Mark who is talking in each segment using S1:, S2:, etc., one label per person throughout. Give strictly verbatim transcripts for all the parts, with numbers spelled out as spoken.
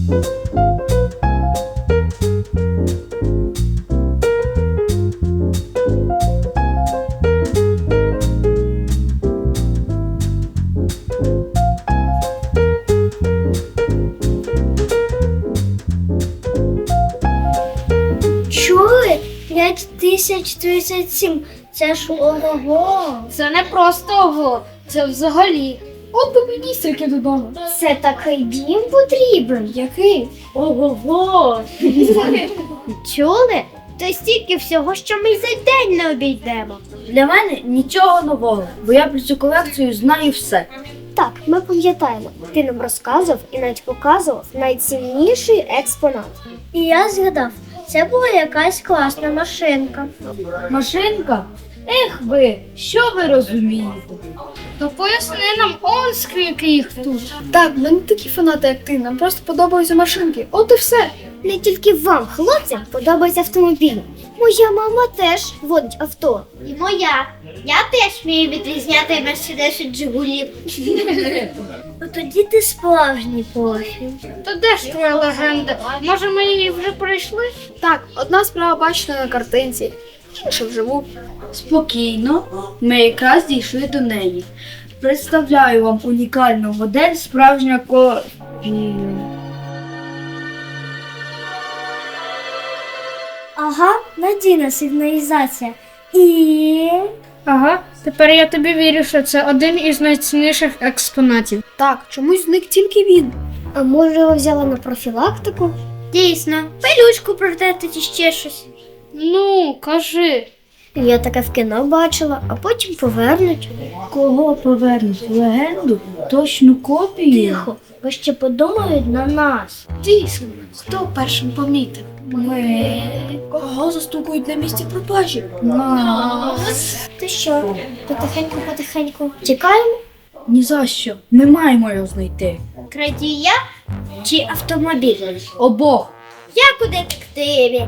S1: Чули? п'ять тисяч тридцять сім. Це ж ого.
S2: Це не просто ого, це взагалі.
S3: От би мені стільки додому.
S1: Це такий дім потрібен.
S3: Який?
S2: Ого-го!
S1: Чули? То стільки всього, що ми за день не обійдемо.
S3: Для мене нічого нового, бо я про цю колекцію знаю все.
S1: Так, ми пам'ятаємо. Ти нам розказував і навіть показував найцінніший експонат. І я згадав, це була якась класна машинка.
S3: Машинка? Ех ви, що ви розумієте?
S2: То поясни нам он скільки їх тут.
S3: Так, ми не такі фанати, як ти, нам просто подобаються машинки. От і все.
S1: Не тільки вам, хлопцям, подобається автомобіль. Моя мама теж водить авто. І моя. Я теж вмію відрізняти Мерседес від Жигулів. Ну тоді ти справжній профі.
S2: То де ж твоя легенда? Може ми її вже пройшли?
S3: Так, одна справа бачена на картинці, інша вживу.
S4: Спокійно, ми якраз дійшли до неї. Представляю вам унікальну модель справжнього копії.
S1: Ага, надійна сигналізація. І...
S2: Ага, тепер я тобі вірю, що це один із найцінніших експонатів.
S3: Так, чомусь зник тільки він.
S1: А може його взяла на профілактику? Дійсно, пилючку протерти чи ще щось.
S2: Ну, кажи.
S1: Я таке в кіно бачила, а потім повернуть.
S4: Кого повернуть? Легенду? Точну копію?
S1: Тихо, бо ще подумають на нас.
S3: Дійсно, хто першим помітив?
S4: Ми.
S3: Кого застукують на місці пропажі?
S4: Нас.
S1: Ти що, потихеньку-потихеньку тікаємо?
S4: Ні за що. Ми маємо його знайти.
S1: Крадія чи автомобіль?
S4: Обох.
S1: Як у детективі.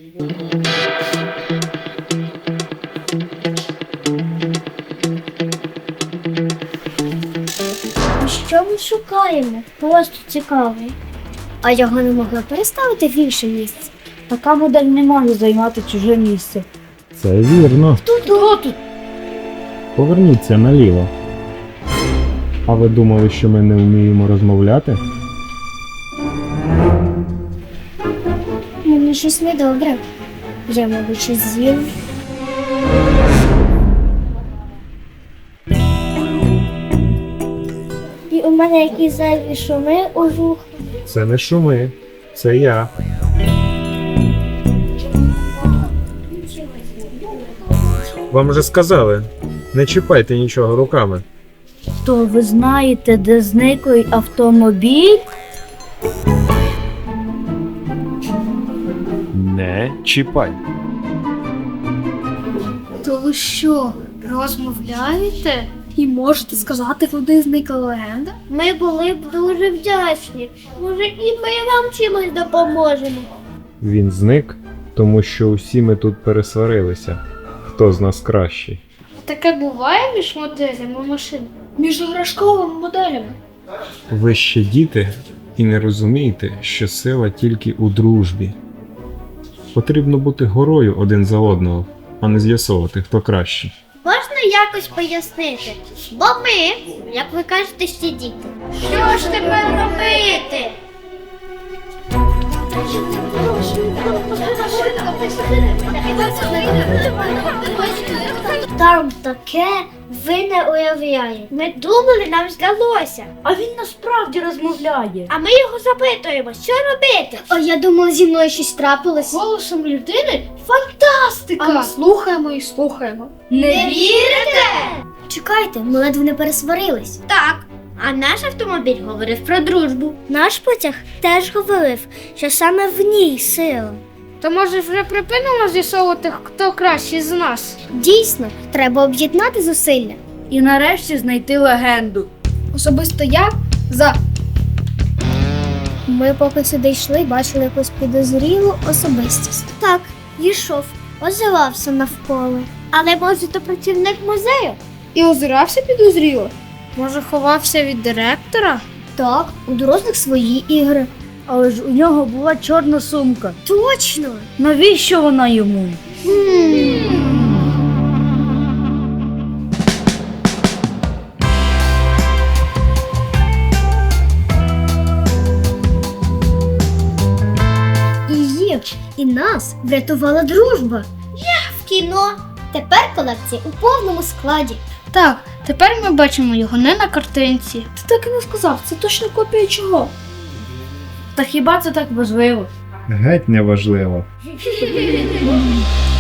S1: Що ми шукаємо? Просто цікаво. А його не могли переставити в інше місце?
S4: Така модель не може займати чуже місце.
S5: Це вірно.
S4: Хто тут?
S5: Поверніться наліво. А ви думали, що ми не вміємо розмовляти?
S1: Мені щось недобре. Я, мабуть, щось з'їв. І у мене якісь зайві шуми у вух.
S5: Це не шуми, це я. Вам же сказали, не чіпайте нічого руками.
S4: То ви знаєте, де зниклий автомобіль?
S5: Не чіпай.
S2: То ви що, розмовляєте?
S3: І можете сказати, куди зникла легенда?
S1: Ми були б дуже вдячні. Може, і ми вам чимось допоможемо.
S5: Він зник, тому що усі ми тут пересварилися. Хто з нас кращий?
S2: Таке буває між моделями машин?
S3: Між іграшковими моделями.
S5: Ви ще діти і не розумієте, що сила тільки у дружбі. Потрібно бути горою один за одного, а не з'ясовувати, хто кращий.
S1: Можна якось пояснити? Бо ми, як ви кажете, ще діти. Що ж тепер робити? Там таке ви не уявляєте. Ми думали, нам здалося.
S4: А він насправді розмовляє.
S1: А ми його запитуємо, що робити? О, я думала, зі мною щось трапилось.
S2: Голосом людини? Фантастика!
S3: А ми слухаємо і слухаємо.
S4: Не
S1: вірите? Чекайте, ми ледве не пересварились. Так. А наш автомобіль говорив про дружбу. Наш потяг теж говорив, що саме в ній сила.
S2: То може вже припинимо з'ясовувати, хто кращий з нас?
S1: Дійсно, треба об'єднати зусилля.
S4: І нарешті знайти легенду.
S3: Особисто я за.
S1: Ми поки сюди йшли, бачили якусь підозрілу особистість. Так, йшов, озивався навколо. Але може то працівник музею?
S3: І озирався підозріло.
S2: Може, ховався від директора?
S1: Так, у дорослих свої ігри.
S3: Але ж у нього була чорна сумка.
S1: Точно!
S3: Навіщо вона йому?
S1: І їх, і нас врятувала дружба. Я в кіно. Тепер колекція у повному складі.
S2: Так, тепер ми бачимо його не на картинці.
S3: Ти так і не сказав, це точно копія чого? Та хіба це так важливо?
S5: Геть неважливо.